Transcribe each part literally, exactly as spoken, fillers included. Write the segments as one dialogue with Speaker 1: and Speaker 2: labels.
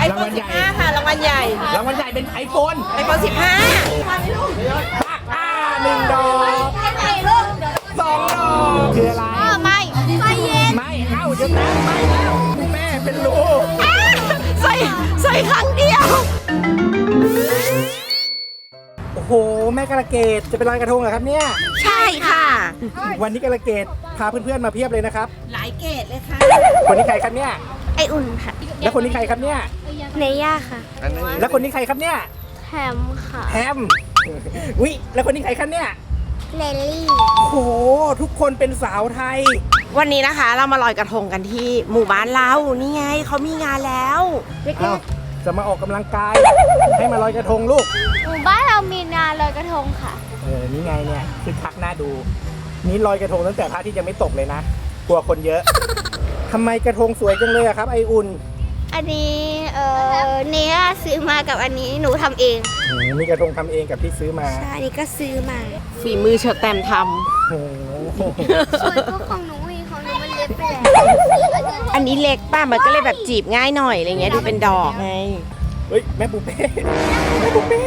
Speaker 1: รางวัลใหญ่ค่ะรางวัลใหญ่รางวัลใหญ่เป็นไอโฟนไอโฟนสิบห้าอ่าหนึ่งดอกสองดอกคืออะไรไม่ไฟเย็นไม่เอ้าจะแตกไม่แล้วแม่เป็นลูกใส่ใส่ครั้งเดียวโอ้โหแม่กระเกดจะเป็นลอยกระทงเหรอครับเนี่ยใช่ค่ะวันนี้กระเกดพาเพื่อนๆมาเพียบเลยนะครับหลายเกดเลยค่ะคนนี้ใครครับเนี่ย
Speaker 2: ไออุ่นค่ะ
Speaker 1: แล้วคนนี้ใครครับเนี่ย
Speaker 2: เนย่าค่ะ
Speaker 1: แล้วคนนี้ใครครับเนี่ย
Speaker 2: แฮมค่ะ
Speaker 1: แฮมวิแล้วคนนี้ใครครับเนี่ย
Speaker 2: เลลี่
Speaker 1: โอ้โหทุกคนเป็นสาวไทยวันนี้นะคะเรามาลอยกระทงกันที่หมู่บ้านเรานี่ไงเขามีงานแล้วเด็กๆจะมาออกกำลังกายให้มาลอยกระทงลูก
Speaker 2: หมู่บ้านเรามีงานลอยกระทงค่ะ
Speaker 1: เออนี่ไงเนี่ยคือคักหน้าดูนี่ลอยกระทงตั้งแต่พระอาทิตย์ยังไม่ตกเลยนะกลัวคนเยอะทำไมกระทงสวยจังเลยอะครับไออุ่น
Speaker 2: อันนี้เออเนย่าซื้อมากับอันนี้หนูทำเอง
Speaker 1: มีกระทงทำเองกับที่ซื้อมา
Speaker 2: ใช่อันนี้ก็ซื้อมา
Speaker 1: ฝีมือเชอแตมทำ
Speaker 2: ส่วนพวกของหนูอีกของหนูมันเล็กไปแล้ว
Speaker 1: อันนี้เล็กป้ามันก็เลยแบบจีบง่ายหน่อยอะไรเงี้ยดูเป็นดอกไงเฮ้ยแม่ปูเป้แม่ปูเป้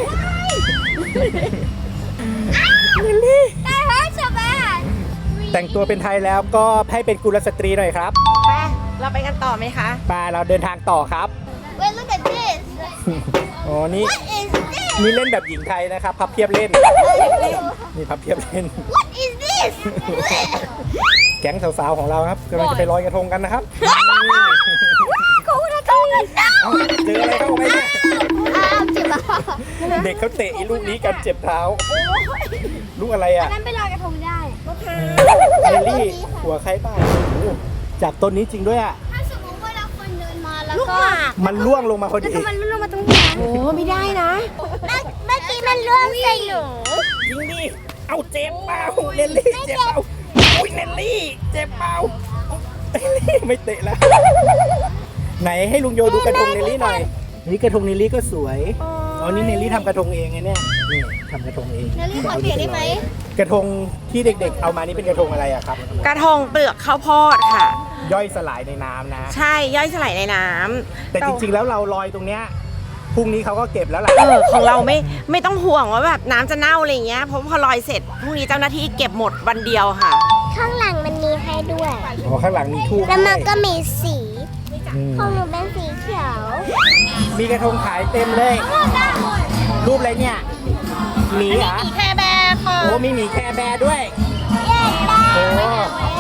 Speaker 2: ได้เฮ้ยชาวบ้าน
Speaker 1: แต่งตัวเป็นไทยแล้วก็ให้เป็นกุลสตรีหน่อยครับไปเราไปกันต่อไหมคะไปเราเดินทางต่อครับ
Speaker 2: Wait look at this
Speaker 1: อ๋อนี่นี่เล่นแบบหญิงไทยนะครับพับเพียบเล่นนี่พับเพียบเล่น
Speaker 2: What is this
Speaker 1: แก๊งสาวๆของเราครับกำลังจะไปลอยกระทงกันนะครับ
Speaker 2: กูกระทงกันเจ้า
Speaker 1: เจออะไรเข้าไปเนี่ย
Speaker 2: อ้าวเจ็บอ่ะ
Speaker 1: เด็กเขาเตะลูกนี้กันเจ็บเท้าลูกอะไรอ่ะ
Speaker 2: นั้นไปลอยกระทงได้
Speaker 1: เอลลี่หัวใครบ้างจากต้นนี้จริงด้วยอ่ะ
Speaker 2: ถ้าสมมติว่าเราคนเดินมาแล้วก็
Speaker 1: มันล่วงลงมาพอดี
Speaker 2: มันล่วงมาตรงนี้
Speaker 1: โอ้ไม่ได้นะ
Speaker 2: เมื่อกี้มันล่วงใส่หนู
Speaker 1: จริงดิเอาเจ็บเปล่าเนลลี่เจ็บเปล่าอุ้ยเนลลี่เจ็บเปล่าเนลลี่ไม่เตะแล้วไหนให้ลุงโยดูกระทงเนลลี่หน่อยนี่กระทงเนลลี่ก็สวยอ๋อนี่เนลลี่ทำกระทงเองไงเนี่ยนี่ทำกระทงเอง
Speaker 2: เนลลี่ขอเปลี่ยนได้ไหม
Speaker 1: กระทงที่เด็กๆเอามานี่เป็นกระทงอะไรอะครับ
Speaker 3: กระทงเปลือกข้าวโพดค่ะ
Speaker 1: ย่อยสลายในน้ำนะ
Speaker 3: ใช่ย่อยสลายในน้ำ
Speaker 1: แต่จริงๆแล้วเราลอยตรงเนี้ยพรุ่งนี้เขาก็เก็บแล้วแหละ
Speaker 3: เออของเราไม่ไม่ต้องห่วงว่าแบบน้ำจะเน่าอะไรเงี้ยเพราะพอลอยเสร็จพรุ่งนี้เจ้าหน้าที่เก็บหมดวันเดียวค่ะ
Speaker 2: ข้างหลังมันมีให้ด้วย
Speaker 1: อ๋อข้างหลังมีทูบ
Speaker 2: แล้วมันก็มีสีของหนูเป็นสีเขียว
Speaker 1: มีกระทงขายเต็มเลยรูปอะไรเนี่ยหมีเหรอ
Speaker 3: มีแคร์แบร์ค่ะ
Speaker 1: โอ้มีหมีแคร์แบร์ด้วยโอ้โห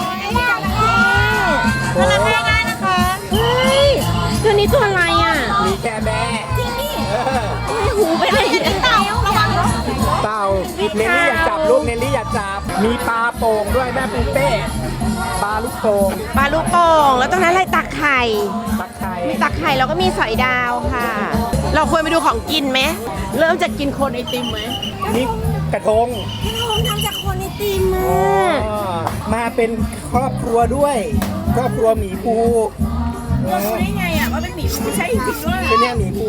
Speaker 3: โอ้ง่ายนะคะเฮ้ยตัวนี้ตัวอะไรอ่ะ
Speaker 1: หมีแคร์แบร์
Speaker 3: จริงดิหูไปเลยเต่าระวัง
Speaker 1: เต่าเนลลี่อยากจับลูกเนลลี่อยากจับมีปลาโป่งด้วยแม่ปูเป้ปลาลูกโป่ง
Speaker 3: ปลาลูกโป่งแล้วตรงนั้นอะไรตักไข่
Speaker 1: ตักไข่
Speaker 3: มีตักไข่แล้วก็มีสอยดาวค่ะเราควรไปดูของกินไหมเริ่มจากกินโคนไอติมไหม
Speaker 1: นี่กระทง
Speaker 3: กระทงทำจากโคนไอติม
Speaker 1: มาเป็นครอบครัวด้วยครอบครัวหมีภู
Speaker 3: เรารู้ได้ไงอ่ะว่าเป็นหมีภูใช่จริงด้วย
Speaker 1: เป็นเนี่ยหมีภู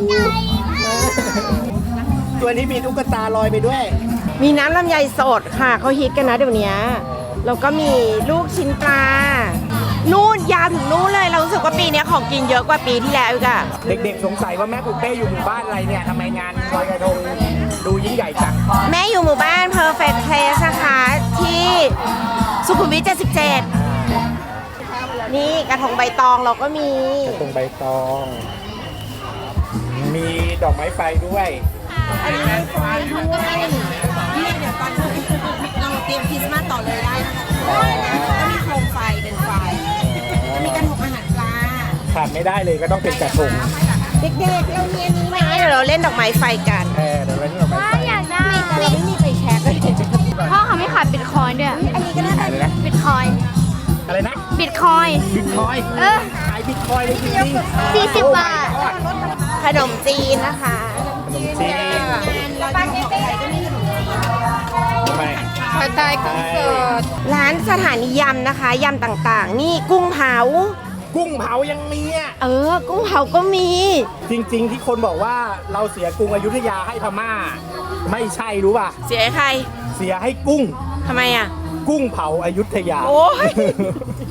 Speaker 1: ตัวนี้มีตุ๊กตาลอยไปด้วย
Speaker 3: มีน้ำลำไยสดค่ะเขาฮิตกันนะเดี๋ยวนี้แล้วก็มีลูกชิ้นปลานู่นยาวถึงนู่นเลยเรารู้สึกว่าปีนี้ของกินเยอะกว่าปีที่แล้วอีกอะ
Speaker 1: เด็กๆสงสัยว่าแม่ปูเป้อยู่หมู่บ้านอะไรเนี่ยทำไมงานลอยกระทงดูยิ่งใหญ่จัง
Speaker 3: แม่อยู่หมู่บ้าน Perfect Place นะคะที่สุขุมวิทเจ็ดสิบเจ็ดนี่กระทงใบตองเราก็มี
Speaker 1: กระทงใบตองมีดอกไม้ไฟด้วย
Speaker 3: อันนี้มีไฟด้วยนี่เดี๋ยวตอนนี้เราเตรียมคริสต์มาสต่อเลยได้นะคะก็มีโคมไฟเป็นไฟจะมีกระทงอาหารปลา
Speaker 1: ขาดไม่ได้เลยก็ต้องเป็นกระทง
Speaker 3: เด็กๆเรามีอันนี้ไหมเดี๋ยวเราเล่นดอกไม้ไฟกัน
Speaker 1: เออเดี๋ยวเราเล่นดอกไม้ไฟ
Speaker 2: อยากได้
Speaker 3: แต่เราไม่มีไฟแช็กเลย
Speaker 2: พ่อเขาไม่ขายบิตคอยน์ด้วย
Speaker 3: อันนี้ก็น่าขายเลยนะ
Speaker 2: บิตคอยน์
Speaker 1: อะไรนะ
Speaker 2: บิตคอยน์
Speaker 1: บิตคอยน์
Speaker 2: เออ
Speaker 1: ขายบิตคอยน์เลยจริง
Speaker 2: ๆสี่สิบบาท
Speaker 3: ขนมจีนนะคะ
Speaker 1: ขนมจีน
Speaker 3: ปาเกตตี้ก็มีขนมจีน
Speaker 1: ทำไม
Speaker 3: ผัดไทยกุ้งสดร้านสถานียำนะคะยำต่างๆนี่กุ้งเผา
Speaker 1: กุ้งเผายังมีอ่ะ
Speaker 3: เออกุ้งเผาก็มี
Speaker 1: จริงๆที่คนบอกว่าเราเสียกรุงอยุธยาให้พม่าไม่ใช่รู้ป่ะ
Speaker 3: เสียให้ใคร
Speaker 1: เสียให้กุ้ง
Speaker 3: ทำไมอ่ะ
Speaker 1: กุ้งเผาอยุธยา
Speaker 3: โอ้ย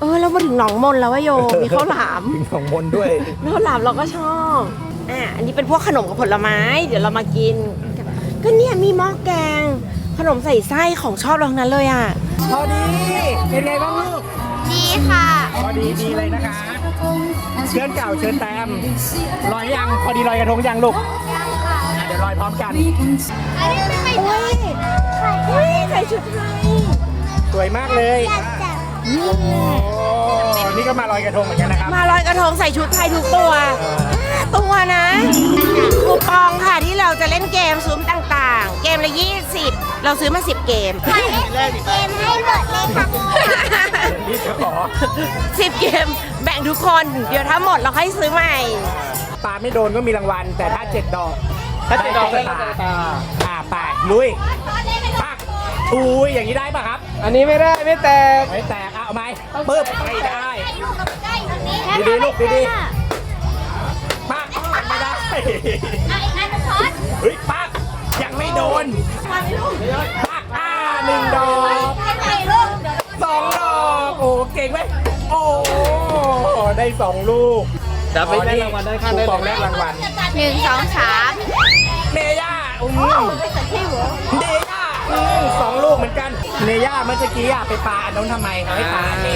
Speaker 3: เออเรามาถึงหนองมนแล้ววะโยมีข้าวหลาม
Speaker 1: ถึงของมนด้วย
Speaker 3: ข้าวหลามเราก็ชอบอ่ะอันนี้เป็นพวกขนมกับผลไม้ เดี๋ยวเรามากิน ก็เนี่ยมีหม้อแกง ขนมใส่ไส้ของชอบเราทั้งนั้นเลยอ่ะ
Speaker 1: พอดี เป็นไงบ้างลูก
Speaker 2: ดีค่ะ
Speaker 1: พอดีดีเลยนะคะเชิญเก่าเชิญแตมลอยยังพอดีลอยกระทงยังลูกอ่ะเดี๋ยวลอยพร้อมกัน
Speaker 2: อันนี้ไม่ไป
Speaker 3: โอ้ยโอ้ยใส่ชุดไทย
Speaker 1: สวยมากเลย
Speaker 2: อยากจับ
Speaker 1: โอ้นี่ก็มาลอยกระทงเหมือนกันนะครับ
Speaker 3: มาลอยกระทงใส่ชุดไทยทุกตัวห้าตัวนะคูปองค่ะที่เราจะเล่นเกมซุ้มต่างๆ เกมละยี่สิบเราซื้อมาสิบเกม
Speaker 2: ขอเล่นเกมให้หมดเลยค่ะ
Speaker 1: นี่จะขอ
Speaker 3: สิบเกมแบ่งทุกคน เดี๋ยวถ้าหมดเราค่อยซื้อใหม่
Speaker 1: ปาไม่โดนก็มีรางวัล แต่ถ้าเจ็ดดอก ถ้าเจ็ดดอกได้ตาอ่าไปลุยปักอุ้ยอย่างนี้ได้ป่ะครับ
Speaker 4: อันนี้ไม่ได้ไม่แตก
Speaker 1: ไม่แตกอ่ะเอาไหมปึ๊บไม่ได้
Speaker 2: อยู่กับใกล้ตรงนี้
Speaker 1: ดีๆลูกดีๆปักไม่ได้
Speaker 2: ไอ้อันนพอด
Speaker 1: เฮ้ยปักยังไม่โดนปักอ่าหนึ่งดอก
Speaker 2: ไอ้ลูก
Speaker 1: สองดอกโอ้เก่งไหมโอ้ได้สองลูก
Speaker 4: เดี๋ยวไปได้รางวัลได้ข้างได้
Speaker 1: คูป
Speaker 4: เล
Speaker 1: อง
Speaker 4: ย
Speaker 1: แรกรางวัล
Speaker 2: หนึ่งสองสาม
Speaker 1: เนย่าอุ้มเนย่าอืมสองลูกเหมือนกัน เนย่าเมื่อกี้อ่ะไปปาอันนู้นทำไมเขาให้ปาอันนี้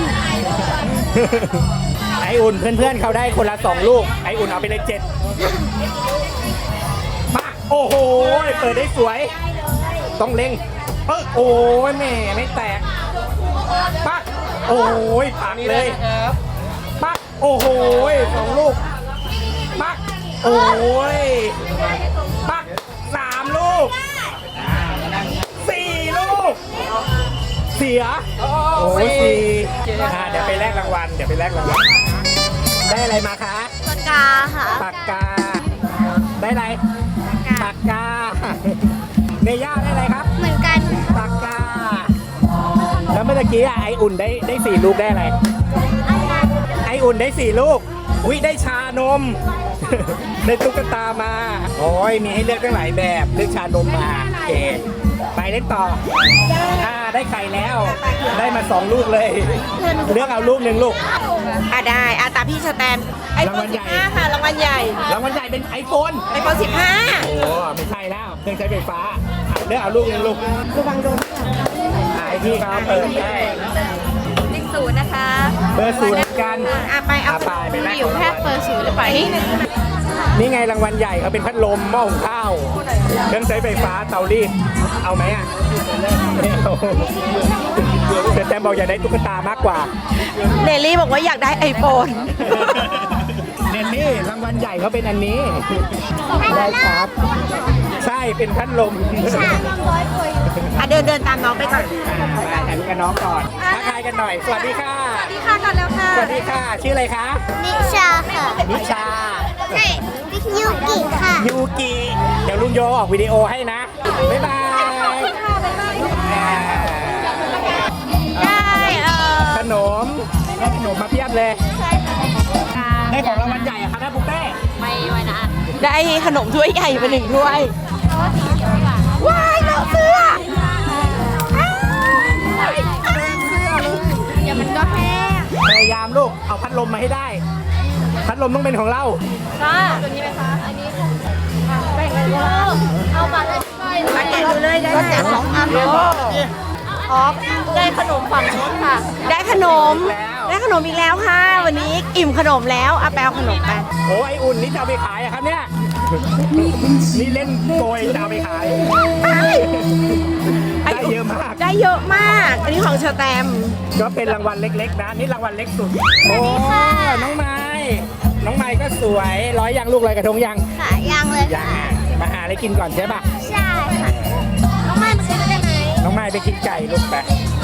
Speaker 1: ไออุ่นเพื่อนๆเขาได้คนละสองลูก ไออุ่นเอาไปเลยเจ็ดมาโอ้โหเปิดได้สวย ต้องเล็งเออโอ้ยแม่ไม่แตกปักโอ้ยปักเลยปักโอ้โหสองลูกปักโอ้ยปักสามลูกสี่ลูกเสียโอ้ยสี่อ่าเดี๋ยวไปแลกรางวัลเดี๋ยวไปแลกรางวัลได้อะไรมาคะ
Speaker 2: ปากกาค่ะ
Speaker 1: ปากกาได้อะไรปากกาเนย่าได้อะไรครับ
Speaker 2: เหมือนกัน
Speaker 1: ปากกา แล้วเมื่อกี้อะไออุ่นได้ได้สี่ลูกได้อะไร ไออุ่นได้สี่ลูก อุ้ยได้ชานม ได้ตุ๊กตามา โอ้ยมีให้เลือกตั้งหลายแบบเลือกชานมมาโอเคไปเล่นต่ออ่าได้ไข่แล้ว ได้มาสองลูกเลย เลือกเอาลูกหนึ่งลูก
Speaker 3: อ่ะได้อ่ะตามพี่สแตมไอโฟ
Speaker 1: รางวั
Speaker 3: น
Speaker 1: ล
Speaker 3: สิ
Speaker 1: ใหญ่
Speaker 3: บห้าค่ะรางวัลใหญ่
Speaker 1: รางวัลใหญ่เป็นไอโฟน
Speaker 3: ไอโฟนสิบห้า
Speaker 1: โอ้ไม่ใช่แล้วเครื่องใช้ไฟฟ้าอ่ะเลือกเอาลูกหนึ่งลูก
Speaker 3: ระวังโดน
Speaker 1: อ่ะไอพี่เขาเปิดได้
Speaker 2: เลขศูนย์นะคะ
Speaker 1: เบอร์ศูนย์เหมือนกัน
Speaker 3: อ่ะไปเอา
Speaker 1: อ่ะไปไปแลก
Speaker 2: อยู่แค่เปิดศูนย์หรือเปล่า
Speaker 1: นี่ไงรางวัลใหญ่เขาเป็นพัดลมหม้อหุงข้าวเครื่องใช้ไฟฟ้าเตารีดเอาไหมอ่ะไม่เอาแต่แตมบอกอยากได้ตุ๊กตามากกว่า
Speaker 3: เนลลี่บอกว่าอยากได้ไอโฟน
Speaker 1: เนนนี่รางวัลใหญ่เขาเป็นอันนี้ได้ครับ ใช่เป็นพัดลม
Speaker 3: อ่ะเดินเดินตามน้องไปก่อน
Speaker 1: อ่าไปถ่ายรูปกับน้องก่อนทักทายกันหน่อย สวัสดีค่ะ
Speaker 3: สวัสดีค่ะก่อนแล้วค่ะ
Speaker 1: สวัสดีค่ะ ชื่ออะไรคะ
Speaker 2: นิชาค่ะ
Speaker 1: นิชา
Speaker 2: ใช่ยูกิค่ะ
Speaker 1: ยูกิ เดี๋ยวลุงโยออกวิดีโอให้นะ บ๊ายบายอ่า
Speaker 3: ได้เออ
Speaker 1: ขนมได้ขนมมาเพียบเลย ได้ของรางวัลใหญ่อะครับได้ปุ๊กเป้
Speaker 2: ไม่ไว้นะ
Speaker 3: ได้ขนมถ้วยใหญ่ไปหนึ่งถ้วย ว้ายน้องเสื้ออ้าว
Speaker 2: เดี๋ยวมันก็แห้ง
Speaker 1: พยายามลูก เอาพัดลมมาให้ได้ พัดลมต้องเป็นของเรา
Speaker 2: ก็ตัวนี้ไหมคะ อันนี้แบ่งกันว่าเอามาได้ไหม
Speaker 3: มาแกะดูเลยได้
Speaker 2: ก็แจกสองอันอ๋อได้ขนมฝั่งโน้นค่ะ
Speaker 3: ได้ขนม
Speaker 1: แล้ว
Speaker 3: ได้ขนมอีกแล้วค่ะ วันนี้อิ่มขนมแล้วเอาไปเอาขนมไป
Speaker 1: โอ้ไออุ่นนี่จะเอาไปขายอะครับเนี่ย นี่เล่นโกยจะเอาไปขาย ได้เยอะมาก
Speaker 3: ได้เยอะมาก อันนี้ของเชอร์แตม
Speaker 1: ก็เป็นรางวัลเล็กๆนะ นี่รางวัลเล็กสุด โอ้ น้องไม้ น้องไม้ก็สวย ร้อยยังลูกลอยกระทงยัง
Speaker 2: ค่ะยังเลย
Speaker 1: ยัง
Speaker 2: ค่ะ
Speaker 1: อ่ะมาหาอะไรกินก่อนใช่ปะ
Speaker 2: ใช่ค่ะน้องไม้มาซื้อได้ไหม
Speaker 1: น้องไม้ไปกินไก่ลูกไป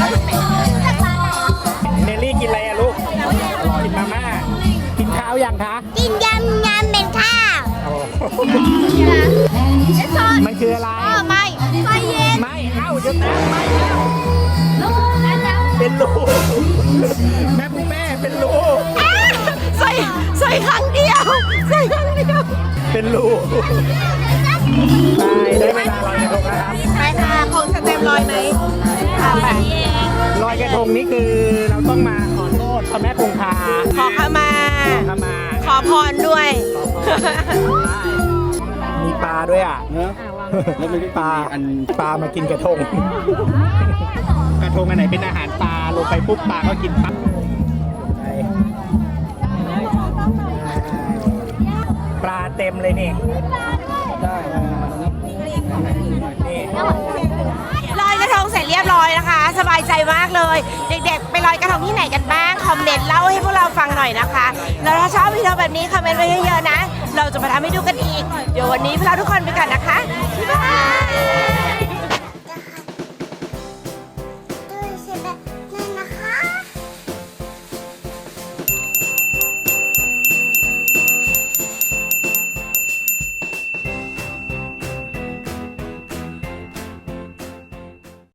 Speaker 1: เนลลี่กินอะไรอะลูก กินมาม่า กินข้าวยังคะ
Speaker 2: กินยำยำเป็นข้าว
Speaker 1: โอ้
Speaker 2: ไอ้ซอน
Speaker 1: มันคืออะไร
Speaker 2: อ๋อไม่ไฟเย็น
Speaker 1: ไม่ เอ้าจะแตกไม่เป็นลูก แม่ปุ๊แม่เป็นลูก
Speaker 3: ใส่ใส่ครั้งเดียว ใส่ครั้งเดียว
Speaker 1: เป็นลูกไปได้เวลาลอยกระทงแล้วครับ
Speaker 3: ไปค่ะของเชอร์แตมลอยไหมอ่ะไป
Speaker 1: ลอยกระทงนี่คือเราต้องมาขอษพระแม่คงคา
Speaker 3: ขอขมา
Speaker 1: ขมา
Speaker 3: ขอพรด้วย
Speaker 1: มีปลาด้วยอ่ะ
Speaker 4: เนอะแล้วมันก็
Speaker 1: ปลา
Speaker 4: อัน
Speaker 1: ปลามากินกระทง กระทงอันไหนเป็นอาหารปลาลงไปปุ๊บปลาก็กินปั๊บปลาเต็มเลยนี่
Speaker 4: ได้
Speaker 1: นี่
Speaker 3: ลอยกระทงเสร็จเรียบร้อยนะคะ สบายใจมากเลย เด็กๆ ไปลอยกระทงที่ไหนกันบ้าง คอมเมนต์เล่าให้พวกเราฟังหน่อยนะคะ แล้วถ้าชอบวิดีโอแบบนี้คอมเมนต์ไว้เยอะๆนะ เราจะมาทำให้ดูกันอีก เดี๋ยววันนี้พวกเราทุกคนไปก่อนนะคะ บ๊ายบาย